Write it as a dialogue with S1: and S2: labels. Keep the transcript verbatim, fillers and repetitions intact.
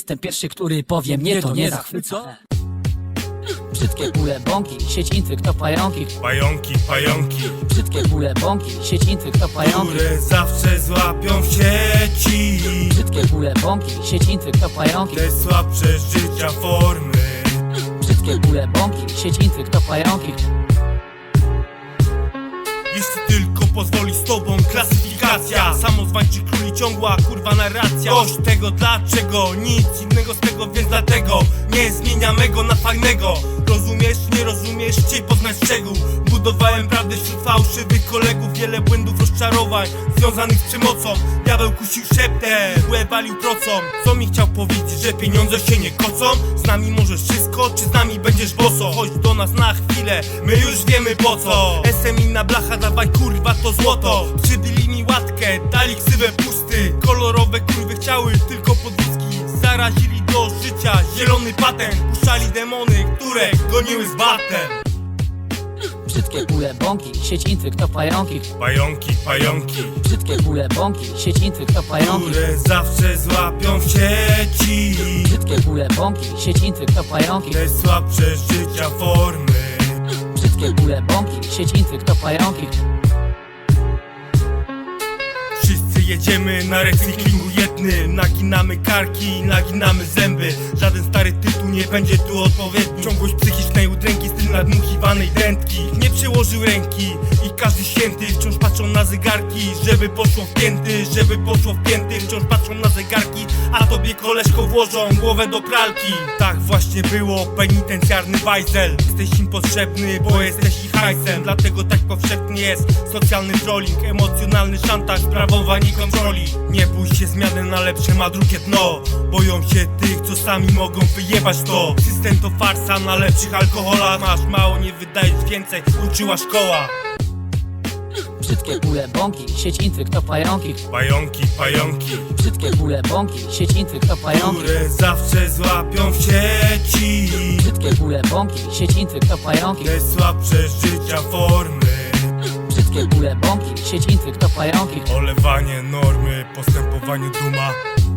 S1: jestem pierwszy, który powie mnie to nie zachwyca. Brzydkie bóle bąki, sieć intryg to pająki.
S2: Pająki, pająki,
S1: Brzydkie bóle bąki, sieć intryg to pająki.
S2: które zawsze złapią w sieci
S1: Brzydkie bóle bąki, sieć intryg to pająki.
S2: te słabsze życia formy.
S1: Brzydkie bóle bąki, sieć intryg to pająki.
S2: Jeśli tylko pozwoli z tobą klasyfikacja, samozwańczy króli ciągła kurwa narracja. Dość tego dlaczego, nic innego z tego, więc dlatego nie zmieniamy go na fajnego. Rozumiesz, nie rozumiesz, chciej poznać szczegół. Budowałem prawdę wśród fałszywych kolegów. Wiele błędów, rozczarowań związanych z przemocą. Diabeł kusił szeptem, łeb walił procą. Co mi chciał powiedzieć, że pieniądze się nie kocą? Z nami możesz wszystko, czy z nami będziesz boso? Chodź do nas na chwilę, my już wiemy po co. S M inna blacha, dawaj kurwa to złoto. Przybili mi łatkę, dali ksywę pusty. Kolorowe kurwy chciały tylko podwózki. Zarazili do życia zielony patent. Puszczali demony, które goniły z batem.
S1: Brzydkie bóle bąki, sieć intryg to pająki.
S2: Pająki, pająki,
S1: Brzydkie bóle bąki, sieć intryg to pająki.
S2: które zawsze złapią w sieci
S1: Brzydkie bóle bąki, sieć intryg to pająki.
S2: te słabsze życia formy.
S1: Brzydkie bóle bąki, sieć intryg to pająki.
S2: Wszyscy jedziemy na recyklingu jednym. Naginamy karki, naginamy zęby. Żaden stary tytuł nie będzie tu odpowiedni. Ciągłość psychicznej udręki, styl nadmuchiwanej dętki. Nie przyłożył ręki i każdy święty wciąż patrzą na zegarki. Żeby poszło w pięty, żeby poszło w pięty. Wciąż patrzą na zegarki, a tobie koleżko włożą głowę do pralki. Tak właśnie było, penitencjarny bajzel. Jesteś im potrzebny, bo jesteś ich hajsem. Dlatego tak powszechny jest socjalny trolling, emocjonalny szantaż, sprawowanie kontroli. Nie bój się zmiany na lepsze, ma drugie dno. Boją się tych, co sami mogą wyjebać to. System to farsa, na lepszych alkoholach. Masz mało, nie wydajesz więcej, uczyła szkoła.
S1: Brzydkie bóle bąki, sieć intryg to pająki.
S2: Pająki, pająki,
S1: Brzydkie bóle bąki, sieć intryg to pająki.
S2: które zawsze złapią w sieci
S1: Brzydkie bóle bąki, sieć intryg to pająki.
S2: te słabsze życia formy.
S1: Brzydkie bóle bąki, sieć intryg to pająki.
S2: Olewanie normy, postępowaniu duma.